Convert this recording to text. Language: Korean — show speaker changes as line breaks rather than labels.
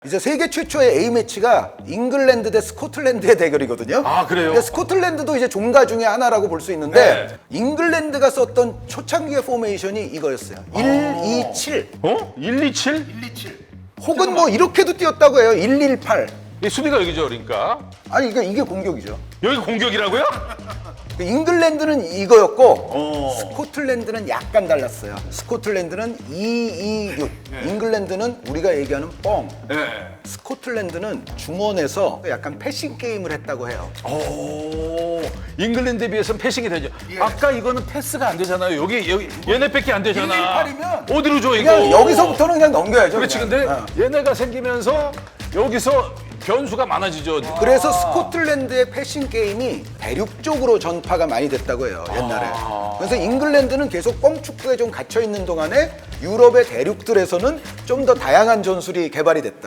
이제 세계 최초의 A매치가 잉글랜드 대 스코틀랜드의 대결이거든요.
아, 그래요?
근데 스코틀랜드도 이제 종가 중에 하나라고 볼 수 있는데
네.
잉글랜드가 썼던 초창기의 포메이션이 이거였어요. 1-2-7
어? 127?
혹은 뭐 이렇게도 뛰었다고 해요. 1-1-8
이 수비가 여기죠, 그러니까.
아니 이게 공격이죠.
여기 공격이라고요?
잉글랜드는 이거였고 스코틀랜드는 약간 달랐어요. 스코틀랜드는 2-2-6 잉글랜드는 우리가 얘기하는 뻥
네.
스코틀랜드는 중원에서 약간 패싱 게임을 했다고 해요.
오, 잉글랜드에 비해서는 패싱이 되죠. 아까 이거는 패스가 안 되잖아요. 여기 얘네밖에 안 되잖아.
1-1-8이면
어디로 줘 이거?
그냥 여기서부터는 그냥 넘겨야죠.
그렇지.
그냥.
근데 얘네가 생기면서 여기서 변수가 많아지죠.
그래서 스코틀랜드의 패싱 게임이 대륙 쪽으로 전파가 많이 됐다고 해요, 옛날에. 그래서 잉글랜드는 계속 뻥축구에 좀 갇혀 있는 동안에 유럽의 대륙들에서는 좀 더 다양한 전술이 개발이 됐다.